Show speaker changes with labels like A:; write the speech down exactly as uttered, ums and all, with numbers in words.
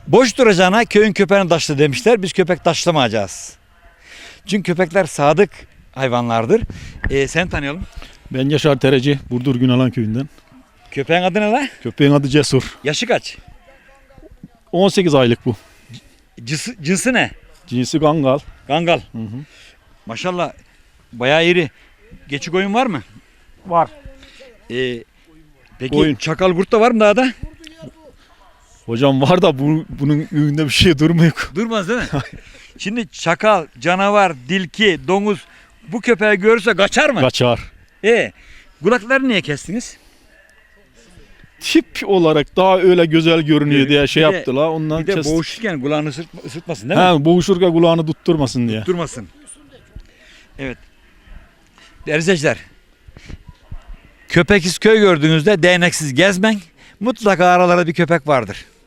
A: Boş duracağına köyün köpeğini taşla demişler. Biz köpek taşlamayacağız. Çünkü köpekler sadık hayvanlardır. Ee, seni tanıyalım.
B: Ben Yaşar Tereci, Burdur Günalan köyünden.
A: Köpeğin adı ne la?
B: Köpeğin adı Cesur.
A: Yaşı kaç?
B: on sekiz aylık bu.
A: Cinsi, cinsi ne?
B: Cinsi Kangal.
A: Kangal.
B: Hı hı.
A: Maşallah bayağı iri. Geçik oyun var mı?
B: Var.
A: Ee, peki
B: Koyun.
A: çakal kurt da var mı dağda?
B: Hocam var da bu, bunun önünde bir şey durmuyor.
A: Durmaz değil mi? Şimdi çakal, canavar, dilki, domuz bu köpeği görürse kaçar mı?
B: Kaçar.
A: E, kulaklarını niye kestiniz?
B: Tip olarak daha öyle güzel görünüyor
A: Evet,
B: diye şey
A: bir de-
B: yaptılar. Ondan
A: Bir de
B: kestik.
A: boğuşurken kulağını ısırt- ısırtmasın değil mi?
B: He, boğuşurken kulağını tutturmasın diye.
A: Durmasın. Evet. Değerli izleyiciler, köpeksiz köy gördüğünüzde değneksiz gezmen. Mutlaka aralarda bir köpek vardır.